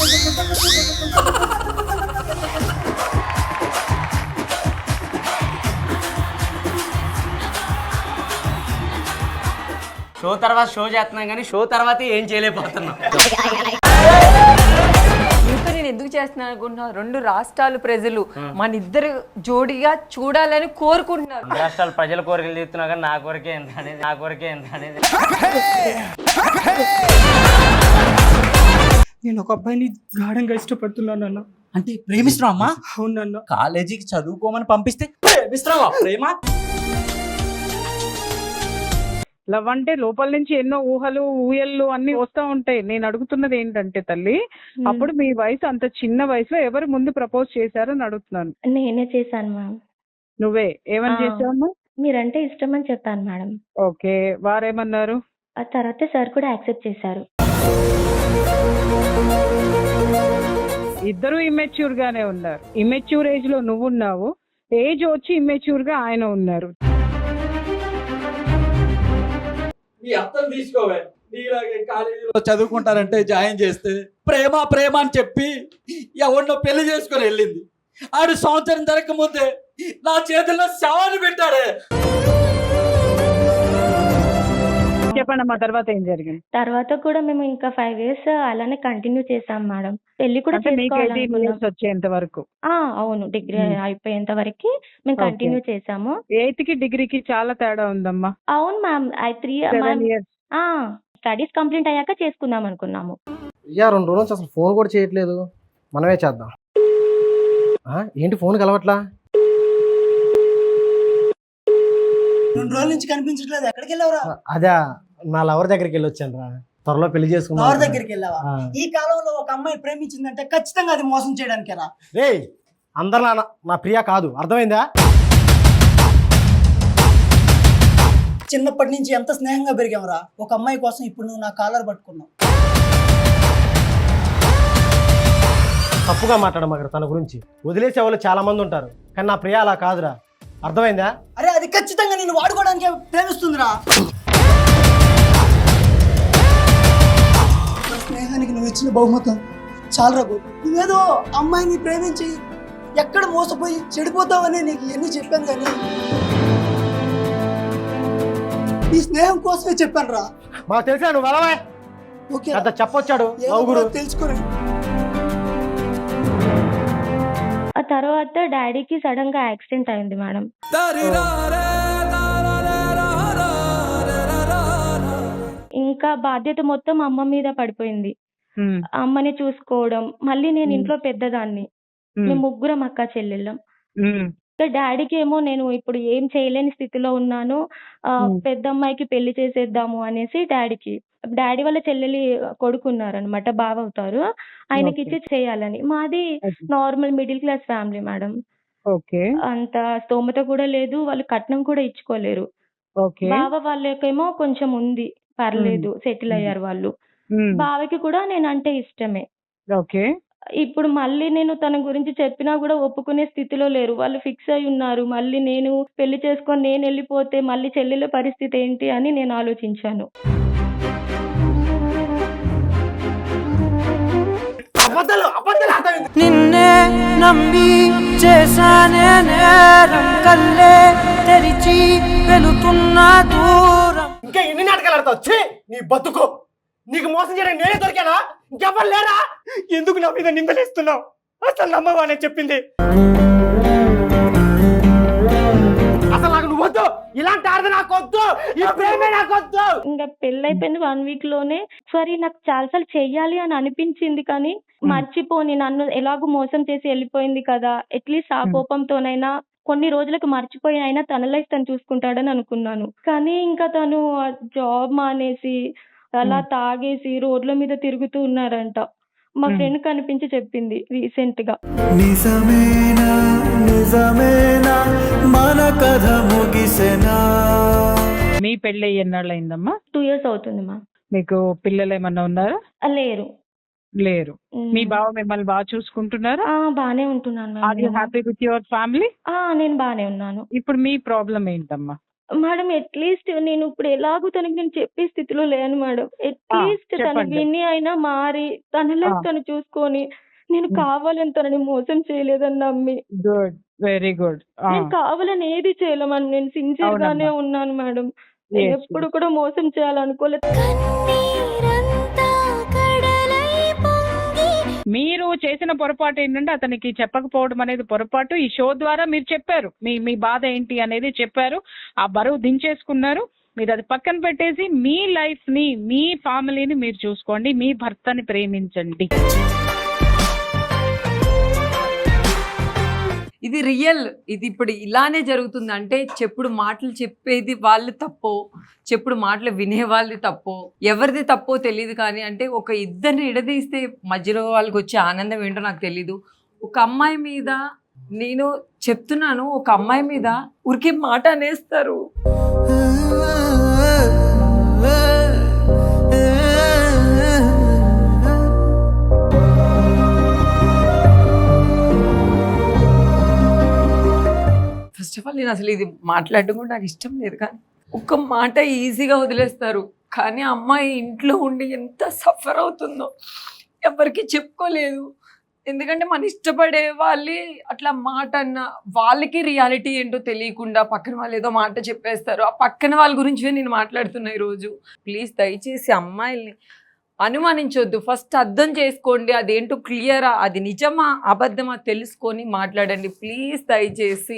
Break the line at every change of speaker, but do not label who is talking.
Show తర్వాత show చేస్తున్నాం కానీ షో తర్వాత ఏం చేయలేకపోతున్నాం.
మీతో నేను ఎందుకు చేస్తున్నాను అనుకుంటున్నా, 2 రాష్ట్రాల ప్రజలు మన ఇద్దరు జోడిగా చూడాలని కోరుకుంటున్నారు.
రాష్ట్రాలు ప్రజల కోరికలు తీస్తున్నా కానీ నా కోరికే ఎంత అనేది
నేను ఒక అబ్బాయిని గాఢంగా ఇష్టపడుతున్నాను అన్న.
అంటే ప్రేమిస్తున్నావు అమ్మా?
అవునన్నా.
కాలేజీకి చదువుకోమని పంపిస్తే ప్రేమిస్తున్నావా? ప్రేమ
లవ్ అంటే లోపల నుంచి ఎన్నో ఊహలు ఊయళ్ళు అన్ని వస్తూ ఉంటాయి. నేను అడుగుతున్నది ఏంటంటే తల్లి, అప్పుడు మీ వయసు అంత చిన్న వయసులో ఎవరు ముందు ప్రపోజ్ చేశారని అడుగుతున్నాను.
నేనే చేశాను మ్యామ్.
నువ్వే ఏమని చేసావమ్మా?
మీరంటే ఇష్టం అని చెప్పాను మేడం.
ఓకే, వారేమన్నారు?
ఆ తర్వాత సార్ కూడా యాక్సెప్ట్ చేశారు.
ఇద్దరు ఇమ్మెచ్యూర్ గానే ఉన్నారు. ఇమ్మెచ్యూర్ ఏజ్ లో నువ్వు ఉన్నావు, ఏజ్ వచ్చి ఇమ్మెచ్యూర్ గా ఆయన ఉన్నారు.
నీ అర్థం తీసుకోవే. నీలాగే కాలేజీలో చదువుకుంటారంటే జాయిన్ చేస్తే ప్రేమ ప్రేమ అని చెప్పి ఎవరినో పెళ్లి చేసుకొని వెళ్ళింది. ఆడు సంవత్సరం జరగక ముందే నా చేతుల్లో శవాన్ని పెట్టాడే.
చెప్పండి అమ్మా, తర్వాత ఏం జరిగింది?
తర్వాత కూడా మేము ఇంకా 5 years అలానే కంటిన్యూ చేసాం మేడం. పెళ్లి కూడా
అంటే మీకు 18
చేసుకోవాలనుకున్నాం.
years వచ్చేంత వరకు?
అవును, డిగ్రీ అయిపోయేంత వరకు మేము కంటిన్యూ చేసాము.
8th కి డిగ్రీకి చాలా తేడా ఉందమ్మా.
అవును మ్యామ్.
7 years.
స్టడీస్ కంప్లీట్ అయ్యాక చేసుకుందాం అనుకున్నాము.
2 రోజుల నుంచి అసలు ఫోన్ కూడా చేయట్లేదు. మనమే చేద్దాం. ఏంటి ఫోన్ కలవట్లా?
2 రోజుల నుంచి కనిపించట్లేదు. ఎక్కడికి వెళ్ళావురా?
అదే నా లవర్ దగ్గరికి వెళ్ళి వచ్చాను రా. త్వరలో పెళ్లి చేసుకున్నా.
ఎవరి దగ్గరికి వెళ్ళావా? ఈ కాలంలో ఒక అమ్మాయి ప్రేమించిందంటే ఖచ్చితంగా అది మోసం చేయడానికేరా.
రే, అందరు నా ప్రియా కాదు, అర్థమైందా?
చిన్నప్పటి నుంచి ఎంత స్నేహంగా పెరిగావురా. ఒక అమ్మాయి కోసం ఇప్పుడు నువ్వు నా కాలర్ పట్టుకున్నావు.
తప్పుగా మాట్లాడమాక తన గురించి. వదిలేసే వాళ్ళు చాలా మంది ఉంటారు, కానీ నా ప్రియా అలా కాదురా, అర్థమైందా?
అరే అది ఖచ్చితంగా నేను వాడుకోవడానికి ప్రేమిస్తుందిరా. స్నేహానికి నువ్వు ఇచ్చిన బహుమతం చాలరా గోపి. నువ్వేదో అమ్మాయిని ప్రేమించి ఎక్కడ మోసపోయి చెడిపోతావని నీకు ఎన్ని చెప్పాను, కానీ నీ స్నేహం కోసమే చెప్పాను రా.
మాకు తెలిసా నువ్వు వెళ్ళవా?
ఓకే,
అంత చెప్పొచ్చాడు
తెలుసుకోరా.
ఆ తర్వాత డాడీకి సడన్ గా యాక్సిడెంట్ అయింది మేడం. ఇంకా బాధ్యత మొత్తం అమ్మ మీద పడిపోయింది. అమ్మని చూసుకోవడం, మళ్ళీ నేను ఇంట్లో పెద్దదాన్ని, మేము 3 అక్క చెల్లెళ్ళం. డాడీకి ఏమో నేను ఇప్పుడు ఏం చేయలేని స్థితిలో ఉన్నాను, పెద్ద అమ్మాయికి పెళ్లి చేసేద్దాము అనేసి డాడీ వాళ్ళ చెల్లెలి కొడుకున్నారనమాట, బావ అవుతారు, ఆయనకి ఇచ్చి చేయాలని. మాది normal middle class family madam. అంత స్తోమత కూడా లేదు, వాళ్ళు కట్నం కూడా ఇచ్చుకోలేరు. బావ వాళ్ళకేమో కొంచెం ఉంది, పర్లేదు, సెటిల్ అయ్యారు వాళ్ళు. బావకి కూడా నేనంటే ఇష్టమే. ఇప్పుడు మళ్ళీ నేను తన గురించి చెప్పినా కూడా ఒప్పుకునే స్థితిలో లేరు, వాళ్ళు ఫిక్స్ అయి ఉన్నారు. మళ్ళీ నేను పెళ్లి చేసుకొని నేను వెళ్ళిపోతే మళ్ళీ చెల్లెల పరిస్థితి ఏంటి అని నేను ఆలోచించాను.
నిన్నే నమ్మి చేశానే నేరం, కల్లే తెరిచి వెళుతున్న దూరం.
ఇంకా ఎన్ని నాటకాలు ఆడతావు? నీ బతుకు. నీకు మోసం చేయడానికి నేనే దొరికానా? ఇంకెవ్వరు లేరా? ఎందుకు నా మీద నిందలేస్తున్నావు? అసలు నమ్మవా నేను చెప్పింది? అసలు నాకు నువ్వు వద్దు, ఇలాంటి ఆడది నాకు వద్దు, ఈ ప్రేమే నాకు వద్దు.
ఇంకా పెళ్ళైపోయింది 1 week లోనే. సారీ, నాకు చాలాసార్లు చెయ్యాలి అని అనిపించింది, కానీ మర్చిపోని, నన్ను ఎలాగో మోసం చేసి వెళ్ళిపోయింది కదా, అట్లీస్ట్ ఆ కోపంతోనైనా కొన్ని రోజులకు మర్చిపోయి అయినా తన లైఫ్ తను చూసుకుంటాడని అనుకున్నాను. కానీ ఇంకా తను జాబ్ మానేసి అలా తాగేసి రోడ్ల మీద తిరుగుతూ ఉన్నారంట. మా ఫ్రెండ్ కనిపించి చెప్పింది రీసెంట్ గా.
నిజమేనా నిజమేనా మన కథ ముగిసెనా.
మీ పెళ్ళి ఎన్నాళ్ళు అయిందమ్మా?
2 years అవుతుంది మా.
మీకు పిల్లలు ఏమన్నా ఉన్నారా?
లేరు.
లేరు. మీ బావ మిమ్మల్ని బాగా చూసుకుంటున్నారా?
బానే ఉంటున్నాను.
Are you happy with your family?
నేను బానే ఉన్నాను.
ఇప్పుడు మీ ప్రాబ్లం ఏంటమ్మా?
మేడం అట్లీస్ట్ నేను ఇప్పుడు ఎలాగో తనకి నేను చెప్పే స్థితిలో లేను మేడం. అట్లీస్ట్ తను
చెప్పండి.
విని అయినా మారి తన లైఫ్ తను చూసుకొని నేను కావాలని తనని మోసం చేయలేదని నమ్మి
గుడ్, వెరీ గుడ్.
నేను కావాలని ఏది చేయలే మేడం. నేను సిన్సియర్ గానే
అవునమ్మా.
ఉన్నాను మేడం. నేను
Yes,
ఎప్పుడు కూడా మోసం చేయాలనుకోలేదు.
మీరు చేసిన పొరపాటు ఏంటంటే అతనికి చెప్పకపోవడం అనేది పొరపాటు. ఈ షో ద్వారా మీరు చెప్పారు మీ మీ బాధ ఏంటి అనేది చెప్పారు. ఆ బరువు దించేసుకున్నారు. మీరు అది పక్కన పెట్టేసి మీ లైఫ్ ని, మీ ఫ్యామిలీని మీరు చూసుకోండి. మీ భర్తని ప్రేమించండి.
ఇది రియల్. ఇది ఇప్పుడు ఇలానే జరుగుతుంది. అంటే చెప్పుడు మాటలు చెప్పేది వాళ్ళు తప్పో, చెప్పుడు మాటలు వినే వాళ్ళది తప్పో, ఎవరిది తప్పో తెలియదు. కానీ అంటే ఒక ఇద్దరిని ఎడదీస్తే మధ్యలో వాళ్ళకి వచ్చే ఆనందం ఏంటో నాకు తెలీదు. ఒక అమ్మాయి మీద నేను చెప్తున్నాను, ఒక అమ్మాయి మీద ఊరికే మాట అనేస్తారు. ఫస్ట్ ఆఫ్ ఆల్ నేను అసలు ఇది మాట్లాడడం కూడా నాకు ఇష్టం లేదు. కానీ ఒక్క మాట ఈజీగా వదిలేస్తారు. కానీ ఆ అమ్మాయి ఇంట్లో ఉండి ఎంత సఫర్ అవుతుందో ఎవరికి చెప్పుకోలేదు. ఎందుకంటే మన ఇష్టపడే వాళ్ళే అట్లా మాట అన్న వాళ్ళకి రియాలిటీ ఏంటో తెలియకుండా పక్కన వాళ్ళు ఏదో మాట చెప్పేస్తారు. ఆ పక్కన వాళ్ళ గురించి నేను మాట్లాడుతున్నా ఈరోజు. ప్లీజ్ దయచేసి అమ్మాయిల్ని అనుమానించొద్దు. ఫస్ట్ అర్థం చేసుకోండి, అదేంటో క్లియరా, అది నిజమా అబద్ధమా తెలుసుకొని మాట్లాడండి ప్లీజ్ దయచేసి.